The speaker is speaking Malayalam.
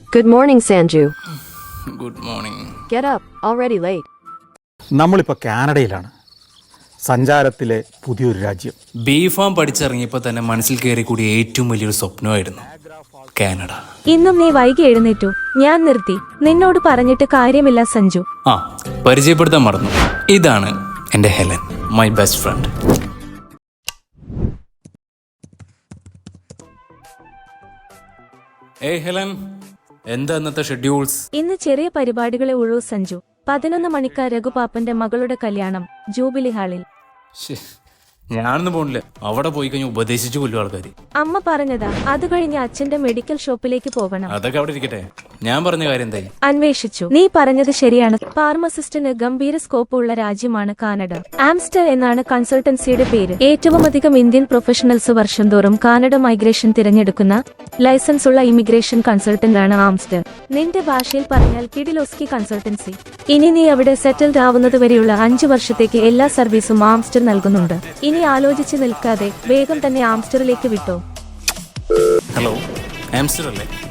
Good morning, Sanju. Good morning. Get up. Already late. നമ്മളിപ്പോൾ കാനഡയിലാണ്, സഞ്ചാരത്തിലെ പുതിയൊരു രാജ്യം. ബീഫാം പഠിച്ചിറങ്ങിയപ്പോൾ തന്നെ മനസ്സിൽ കയറി കൂടി ഏറ്റവും വലിയൊരു സ്വപ്നമായിരുന്നു കാനഡ. ഇന്നും നീ വൈകി എഴുന്നേറ്റു. ഞാൻ നിർത്തി. നിന്നോട് പറഞ്ഞിട്ട് കാര്യമില്ല സഞ്ജു. ആ, പരിചയപ്പെടുത്താൻ മറന്നു. ഇതാണ് എൻ്റെ ഹെലൻ, മൈ ബെസ്റ്റ് ഫ്രണ്ട്. ഏയ് ഹെലൻ, എന്താ ഇന്നത്തെ ഷെഡ്യൂൾസ്? ഇന്ന് ചെറിയ പരിപാടികളെ ഉള്ളൂ സഞ്ജു. 11 മണിക്ക് രഘുപാപ്പന്റെ മകളുടെ കല്യാണം ജൂബിലി ഹാളിൽ. ഞാനൊന്നും പോണില്ല. അവിടെ പോയി കഴിഞ്ഞാൽ ഉപദേശിച്ചു കൊല്ലും ആൾക്കാർ. അമ്മ പറഞ്ഞതാ. അത് കഴിഞ്ഞ് അച്ഛന്റെ മെഡിക്കൽ ഷോപ്പിലേക്ക് പോകണം. അതൊക്കെ അവിടെ ഇരിക്കട്ടെ. ഞാൻ പറഞ്ഞ കാര്യം എന്തായി? അന്വേഷിച്ചു. നീ പറഞ്ഞത് ശരിയാണ്. ഫാർമസിസ്റ്റിന് ഗംഭീര സ്കോപ്പ് ഉള്ള രാജ്യമാണ് കാനഡ. ആംസ്റ്റർ എന്നാണ് കൺസൾട്ടൻസിയുടെ പേര്. ഏറ്റവും അധികം ഇന്ത്യൻ പ്രൊഫഷണൽസ് വർഷം തോറും കാനഡ മൈഗ്രേഷൻ തിരഞ്ഞെടുക്കുന്ന ലൈസൻസ് ഉള്ള ഇമിഗ്രേഷൻ കൺസൾട്ടന്റ് ആണ് ആംസ്റ്റർ. നിന്റെ ഭാഷയിൽ പറഞ്ഞാൽ കിഡിലോസ്കി കൺസൾട്ടൻസി. ഇനി നീ അവിടെ സെറ്റിൽഡ് ആവുന്നത് വരെയുള്ള 5 വർഷത്തേക്ക് എല്ലാ സർവീസും ആംസ്റ്റർ നൽകുന്നുണ്ട്. ഇനി ആലോചിച്ച് നിൽക്കാതെ വേഗം തന്നെ ആംസ്റ്ററിലേക്ക് വിട്ടോ. ഹലോ, ആംസ്റ്റർ അല്ലേ?